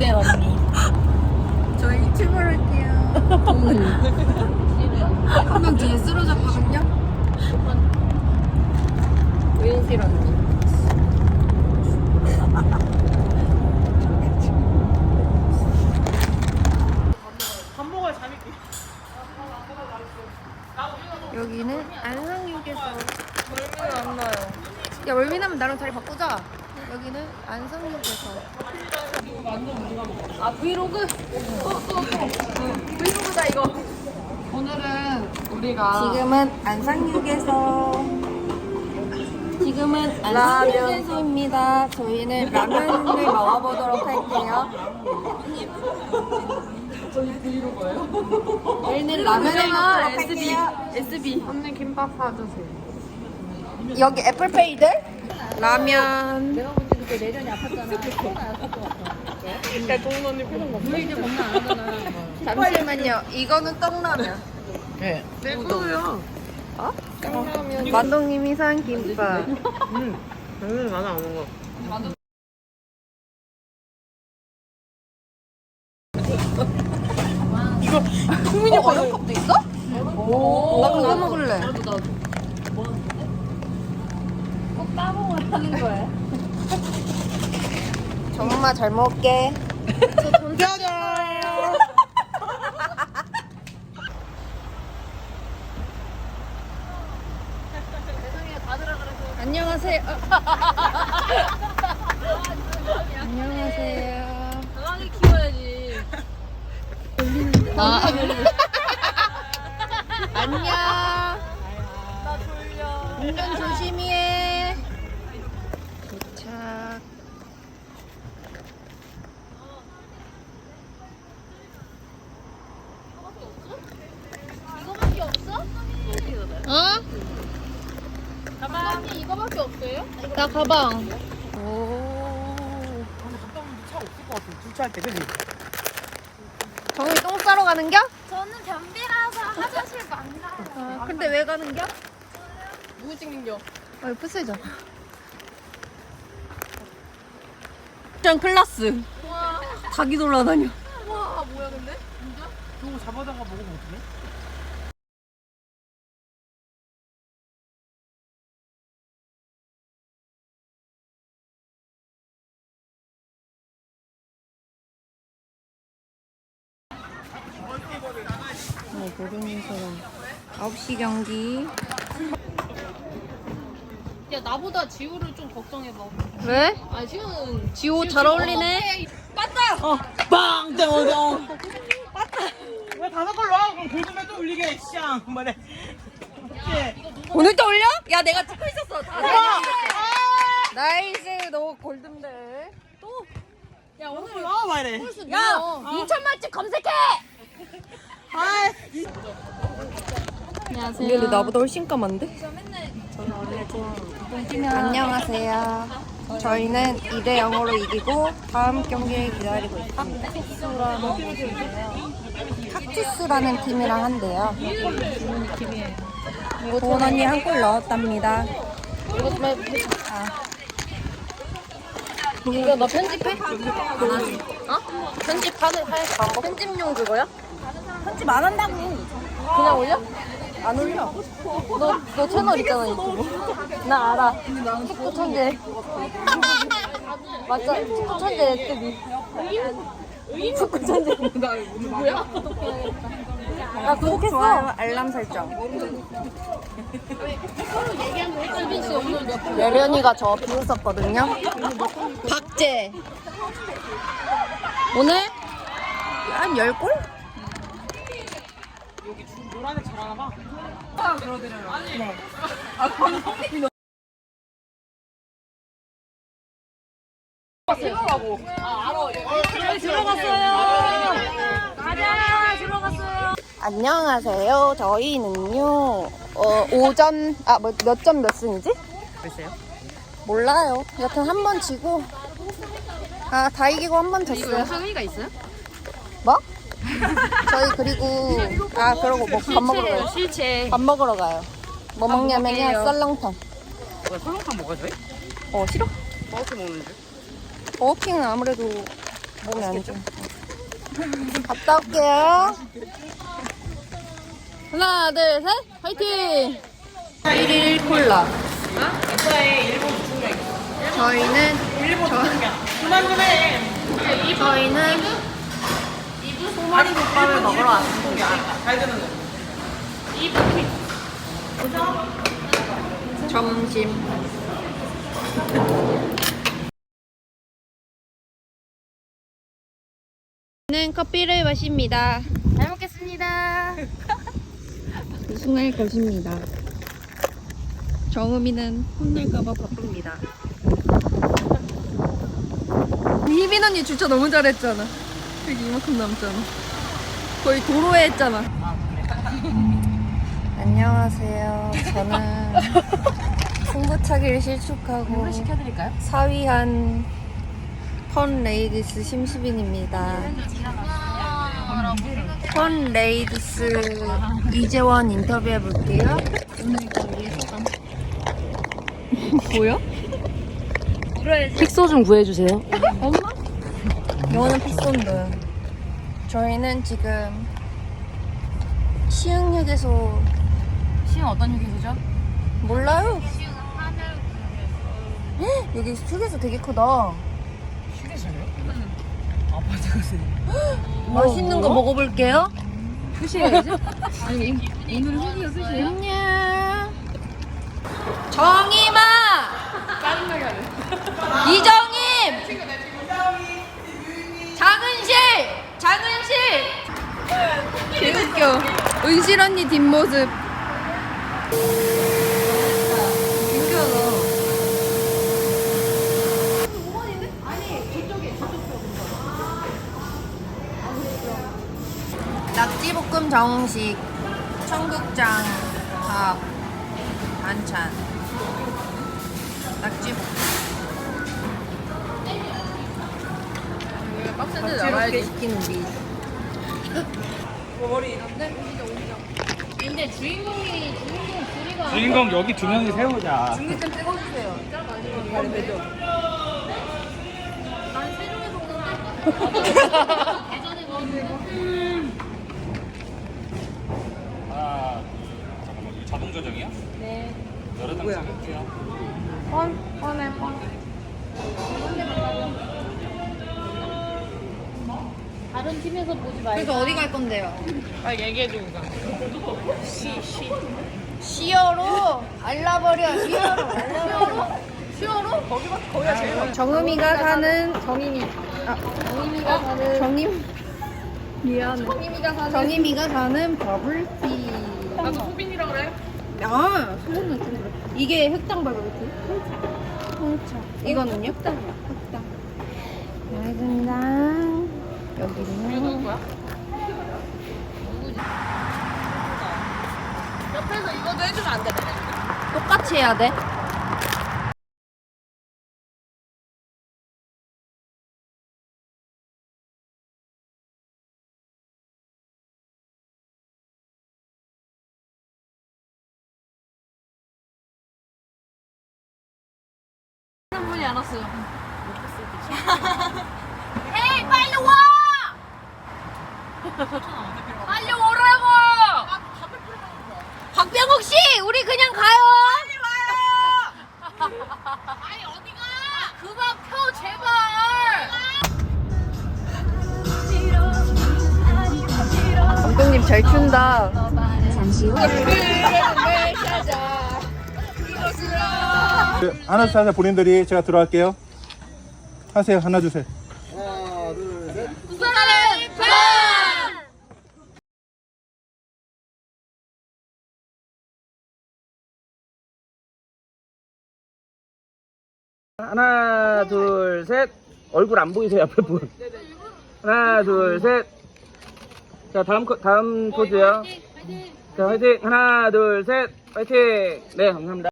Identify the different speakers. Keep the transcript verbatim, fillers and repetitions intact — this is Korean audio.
Speaker 1: 어때 언니?
Speaker 2: 저희 출발할게요. 한 명 뒤에 쓰러졌거든요.
Speaker 1: 은실 언니.
Speaker 3: 밥 먹어야 잠이 깨.
Speaker 2: 여기는 안성육에서.
Speaker 1: 멀미는 안 나요.
Speaker 2: 야 월미나면 나랑 자리 바꾸자. 여기는 안성육에서.
Speaker 1: 아 브이로그? 브이로그다 이거. 오늘은 우리가
Speaker 2: 지금은 안성육에서. 지금은 안성육에서입니다. 저희는 라면을 먹어보도록 할게요. 저희는 라면을 먹도록
Speaker 1: 에스비
Speaker 2: 할게요.
Speaker 1: 에스비 언니 김밥 사주세요.
Speaker 2: 여기 애플페이들 라면.
Speaker 1: 내가 본 지 그때 내전이 아팠잖아. 코로나 였을 것 같아. 그러니까 동훈 언니 표정 봐. 우리 이제 겁나 안 하잖아.
Speaker 2: 잠시만요. 이거는 떡라면.
Speaker 3: 네. 내 거야.
Speaker 1: 짱라면.
Speaker 2: 만동님이 산 김밥.
Speaker 3: 응. 응, 나는 안 먹어. 이거 국민이
Speaker 2: 어, 어영컵도 있어? 오. 나 그거 먹을래.
Speaker 1: 꼭 따봉을 하는 거야.
Speaker 2: 정말 잘 먹을게. 안녕하세요. 안녕하세요.
Speaker 1: 강하게 키워야지.
Speaker 2: 아. 안녕.
Speaker 1: 나 졸려.
Speaker 2: 운전 조심히 해. 도착.
Speaker 1: 이거밖에 없어?
Speaker 2: 어?
Speaker 1: 가방 이거밖에 없어요?
Speaker 2: 나 가방. 오.
Speaker 3: 갔다 오는데 차 없을 것 같아. 주차할 때, 그지?
Speaker 2: 정훈이 똥 싸러 가는겨?
Speaker 1: 저는 변비라서 화장실 만나요.
Speaker 2: 아, 근데 왜 가는겨?
Speaker 1: 누구 찍는겨?
Speaker 2: 아, 이거 부스죠. 짱 클라스.
Speaker 1: 와,
Speaker 2: 닭이 돌아다녀.
Speaker 1: 와 뭐야 근데?
Speaker 3: 저거 잡아다가 먹으면 어떡해?
Speaker 2: 네, 모르는 사람. 아홉 시 경기.
Speaker 1: 야 나보다 지우를 좀 걱정해봐.
Speaker 2: 왜?
Speaker 1: 아니 지우는
Speaker 2: 지호 잘 어울리네.
Speaker 1: 맞다.
Speaker 3: 어, 빵! 땡! 땡! 왜 다섯 걸로 와? 그럼 골드만 또 올리게, 쌍! 말해.
Speaker 2: 오늘 또 올려? 야, 내가 찍고 있었어. 다 나이스, 너 골든벨. 또.
Speaker 1: 야 오늘
Speaker 3: 나와, 말해.
Speaker 2: 야, 인천 맛집 검색해.
Speaker 3: 아,
Speaker 1: 안녕하세요.
Speaker 2: 근데 나보다 훨씬 까만데? 안녕하세요. 저희는 이 대 영으로 이기고 다음 경기를 기다리고 있습니다. 칵투스라는 팀이랑 한대요. 도원 언니 한 골 넣었답니다.
Speaker 1: 이거 너 편집해? 안 하지. 어? 편집하는 할 방법? 편집용 그거야?
Speaker 2: 편집 안 한다고.
Speaker 1: 그냥 올려?
Speaker 2: 안 올려.
Speaker 1: 너, 너 채널 있잖아 유튜브. 나 알아. 축구 천재. 맞아. 축구 천재 레트비. 축구 천재. 누구야?
Speaker 2: 나 구독했어. 좋아요, 알람 설정.
Speaker 1: 수빈 씨 오늘 몇 분?
Speaker 2: 예련이가 저 비웃었거든요. 박재. 오늘 한 열 골?
Speaker 3: 여기 노란 애 잘하나 봐.
Speaker 2: 네.
Speaker 1: 들어가고. 아 알아. 들어갔어요. 가자. 들어갔어요.
Speaker 2: 안녕하세요. 저희는요, 어, 오전, 아, 뭐, 몇 점 몇 승이지?
Speaker 3: 글쎄요.
Speaker 2: 몰라요. 여튼 한 번 지고, 아, 다 이기고 한 번 졌어요.
Speaker 1: 상의가 있어요?
Speaker 2: 뭐? 저희 그리고, 아, 그러고 뭐 밥 먹으러 가요.
Speaker 1: 실체.
Speaker 2: 밥 먹으러 가요. 뭐 먹냐면요,
Speaker 1: 먹을게요.
Speaker 2: 썰렁탕.
Speaker 3: 왜 설렁탕 먹어야 돼?
Speaker 2: 어, 싫어?
Speaker 3: 어떻게 먹는지?
Speaker 2: 버거킹은 아무래도 몸에 안 좋아. 갔다 올게요.
Speaker 1: 하나, 둘, 셋, 화이팅!
Speaker 2: 일 일 콜라.
Speaker 3: 이거에 일본 중량.
Speaker 2: 저희는
Speaker 3: 일본 중량. 그만 좀 해.
Speaker 2: 저희는 소머리 국밥을 먹으러 왔습니다.
Speaker 3: 잘 되는 거.
Speaker 2: 점심. 는 커피를 마십니다.
Speaker 1: 잘 먹겠습니다.
Speaker 2: 우승할 것입니다. 정음이는 혼날까봐 바쁩니다. 희빈 언니 주차 너무 잘했잖아. 여기 이만큼 남잖아. 거의 도로에 했잖아. 안녕하세요. 저는 승부차기를 실축하고
Speaker 1: 시켜드릴까요?
Speaker 2: 사위한 펀 레이디스 심수빈입니다. 펀 레이디스 이재원 인터뷰해 볼게요. 뭐야?
Speaker 1: 픽소 좀 구해주세요.
Speaker 2: 영어는 픽손드. 저희는 지금 시흥휴게소
Speaker 1: 시은 어떤 휴게소죠?
Speaker 2: 몰라요? 헉, 여기 휴게소 되게 크다.
Speaker 3: 휴게소요? 아파트 가세요.
Speaker 2: 맛있는 거 먹어볼게요.
Speaker 1: 수시야지? 아니, 오늘 휴게소 수시야?
Speaker 2: 안녕. 정임아!
Speaker 1: 짜증나게 하네.
Speaker 2: 이정임! 장은실! 장은실! 개웃겨. 은실 언니 뒷모습. 신기하다. 낙지볶음 정식, 청국장, 밥, 반찬. 낙지볶음.
Speaker 1: 빡센데
Speaker 2: 이렇게
Speaker 1: 나와야지.
Speaker 2: 시키는 미.
Speaker 3: 머리.
Speaker 1: 근데 주인공이, 주인공 둘이가.
Speaker 4: 주인공 여기 두 명이 세우자.
Speaker 2: 중립 좀 찍어주세요.
Speaker 1: 난 세종에서 오는데? 예전에 먹었는데.
Speaker 4: 아, 잠깐만, 이거 자동 조정이야?
Speaker 1: 네.
Speaker 4: 여러 장 찍을게요.
Speaker 2: 펀, 펀해, 펀.
Speaker 1: 다른 팀에서 보지 말고.
Speaker 2: 그래서 어디 갈 건데요?
Speaker 3: 아 얘기해줘 이거.
Speaker 2: 시어로 알라버려, 시어로. 알라버려.
Speaker 3: 시어로? 거기가 거기가 제일 많아.
Speaker 2: 정음이가 사는 정임이. 아,
Speaker 1: 정임이가 사는.
Speaker 2: 정임. 미안해.
Speaker 1: 정임이가 사는.
Speaker 2: 정임이가 사는 버블티.
Speaker 3: 나도 후빈이라 그래.
Speaker 2: 아, 소문은 좀 그래. 이게 흑당 버블티? 홍차. 이거는요? 흑당이야. 흑당. 알겠습니다. 여기는
Speaker 3: 누구야? 옆에서 이거도 해주면 안 돼?
Speaker 2: 똑같이 해야 돼.
Speaker 1: 한 분이 안 왔어요.
Speaker 2: 에이, 빨리 와! 빨리 오라고! 박병욱 씨, 우리 그냥 가요. 빨리 와요. 아니 어디가? 그만 펴 제발. 감독님 잘 춘다. 잠시 후.
Speaker 5: 하나 둘 셋 본인들이 제가 들어갈게요. 하세요. 하나 둘 셋.
Speaker 4: 하나, 둘, 셋. 얼굴 안 보이세요, 옆에 분. 하나, 둘, 셋. 자, 다음, 코- 다음 포즈요. 자, 화이팅. 하나, 둘, 셋. 화이팅. 네, 감사합니다.